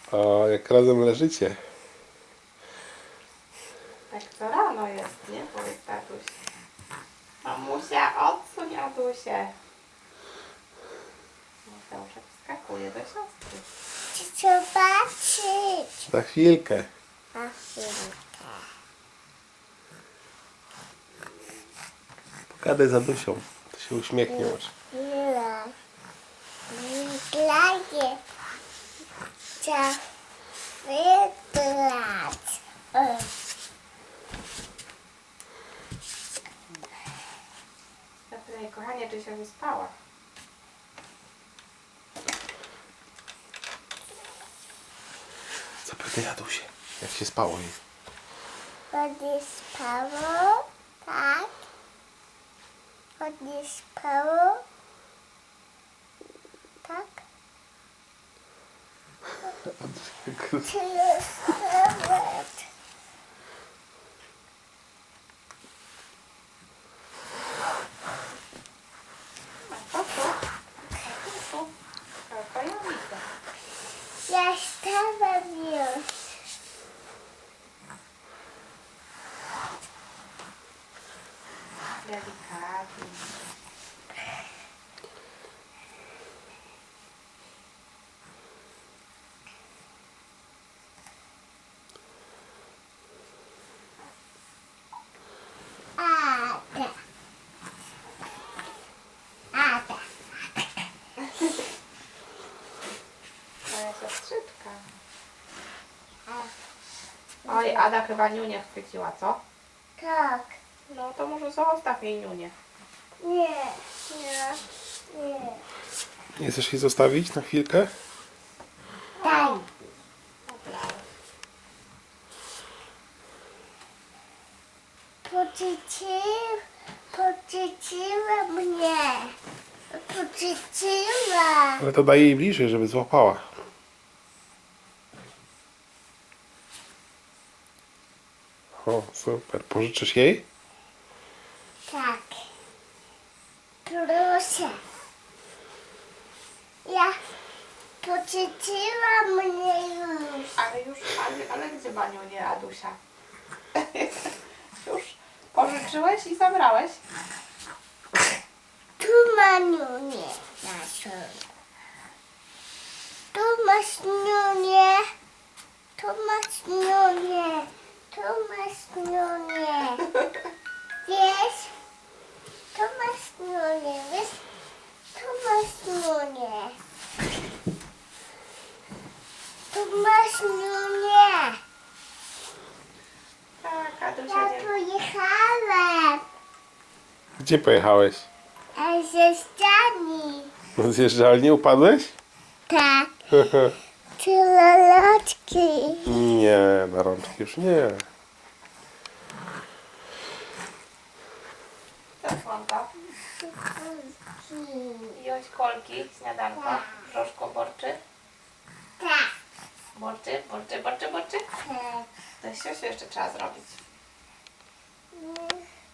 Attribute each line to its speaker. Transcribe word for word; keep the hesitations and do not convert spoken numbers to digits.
Speaker 1: O, jak razem leżycie.
Speaker 2: Tak co rano jest, nie? Powiedz tatuś. Mamusia, odsuń Adusię. Mateuszek wskakuje do siostry.
Speaker 3: Chcę zobaczyć.
Speaker 1: Za chwilkę.
Speaker 3: Na chwilkę.
Speaker 1: Pogadaj z Adusią. To się uśmiechnie może.
Speaker 3: Ile? Wyglądzie. Chcę wyglądać.
Speaker 2: Zapytaj, kochanie, czy się wyspała?
Speaker 1: Zapytaj Adusię, jak się spało jej.
Speaker 3: Chodzi spało? Tak. Chodzi spało? Tak. Czy jest nawet?
Speaker 2: A to tu? A to tu? To ja widzę.
Speaker 3: Ja stałem już.
Speaker 2: Delikatnie.
Speaker 3: Ada. Ada.
Speaker 2: Moja siostrzyczka. Oj, Ada chyba niunię chwyciła, co?
Speaker 3: Tak.
Speaker 2: No to może zostaw jej niunię.
Speaker 3: Nie. Nie. Nie.
Speaker 1: Nie chcesz jej zostawić na chwilkę?
Speaker 3: Daj.
Speaker 2: Dobra.
Speaker 3: Poczycił, poczyciła mnie. Poczyciła.
Speaker 1: Ale to daj jej bliżej, żeby złapała. O, super. Pożyczysz jej?
Speaker 3: Tak. Proszę. Ja poczyciła mnie już.
Speaker 2: Ale już, ale, ale gdzie Baniu nie, Adusia? Już pożyczyłeś i zabrałeś?
Speaker 3: Tu ma niunię naszą. Tu masz niunię. Tu masz niunię. Tu masz niunię. Wiesz? Tu masz niunię. Wiesz? Tu masz niunię. Tu masz niunię.
Speaker 2: Tak, Adusia
Speaker 3: Ja
Speaker 2: nie...
Speaker 3: pojechałem.
Speaker 1: Gdzie pojechałeś?
Speaker 3: A ze ściany.
Speaker 1: No zjeżdżalni upadłeś?
Speaker 3: Tak. Tyle loczki.
Speaker 1: Nie, na rączki już nie.
Speaker 2: Co słonko? Joś kolki, śniadanko, brzoszko borczy.
Speaker 3: Tak.
Speaker 2: Borczy, borczy, borczy, borczy.
Speaker 3: Tak.
Speaker 2: To siosiu jeszcze trzeba zrobić.
Speaker 3: Nie.